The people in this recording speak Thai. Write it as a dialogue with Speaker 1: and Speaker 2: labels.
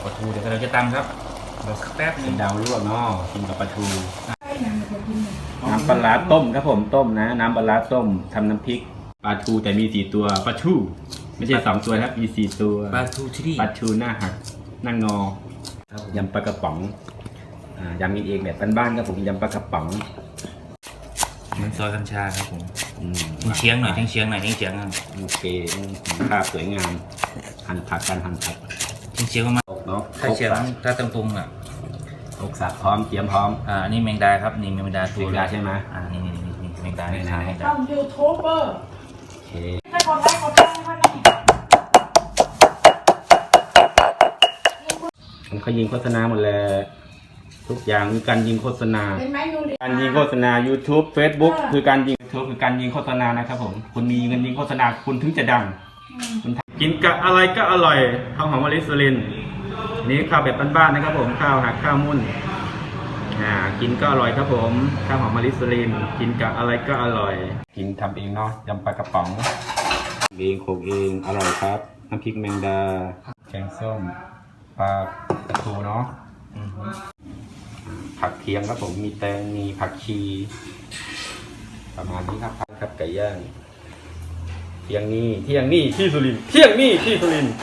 Speaker 1: ปลาทูเดี๋ยวเราจะตำครับรอสักแป๊บนึ
Speaker 2: เป็
Speaker 1: ง
Speaker 2: นดาวลวกเนาะกินกับปลาทู
Speaker 3: ใช่นะมันจะกินเนี่ย
Speaker 2: น้ำปลาร้าต้มครับผมต้มนะน้ำปลาร้าต้มทำน้ำพริกปลาทูแต่มี4ตัวปลาทูไม่ใช่2ตัวครับมี4ตัว
Speaker 1: ปลาทูที่นี่
Speaker 2: ปลาทูหน้าหักหน้างอ
Speaker 1: ครับผม
Speaker 2: ยำปลากระป๋องยำกินเองแบบบ้านๆครับผมยำปลากระป๋อง
Speaker 1: มันซอยกัญชาครับผม
Speaker 2: อืม
Speaker 1: เชียงหน่อยเชียงหน่อยเชียง
Speaker 2: โอเคภาพสวยงามหั่นผักกันหั่นผัก
Speaker 1: เชียงมาก
Speaker 2: อกเนาะ
Speaker 1: ถ้าเชียงถ้าตรงๆอ่ะ
Speaker 2: อกสับพร้อมเตรียมพร้อม
Speaker 1: อันนี้แมงดาครับนี่แมงดาตัว
Speaker 2: แมงดาใช่ไหม
Speaker 1: นี่แมงดา
Speaker 3: ช่องยูทูบเบอร์
Speaker 2: โอเค
Speaker 3: ถ้ากดไลค์กดแชร์ให้ท่านนี่
Speaker 2: เขายิงโฆษณาหมดเลยทุกอย่างมีการยิงโฆษณา
Speaker 3: เห็นไหมยูริ
Speaker 2: การยิงโฆษณา YouTube Facebook คือการยิง YouTube คือการยิงโฆษณานะครับผมคุณมีเงินยิงโฆษณาคุณถึงจะดังคุณกินกับอะไรก็อร่อยข้าวหอมมะลิสุรินทร์นี่ข้าวแบบบ้านๆนะครับผมข้าวหักข้าวมุ่นกินก็อร่อยครับผมข้าวหอมมะลิสุรินทร์กินกับอะไรก็อร่อย กินทำเองเนาะยำปลากระป๋องเองโขกเองอร่อยครับน้ำพริกแมงดาแกงส้มปลาทูเนาะผักเคียงครับผมมีแตงมีผักชีประมาณนี้ครับครับไก่ย่างเที่ยงนี้ที่สุรินทร์เที่ยงนี้ที่สุรินทร์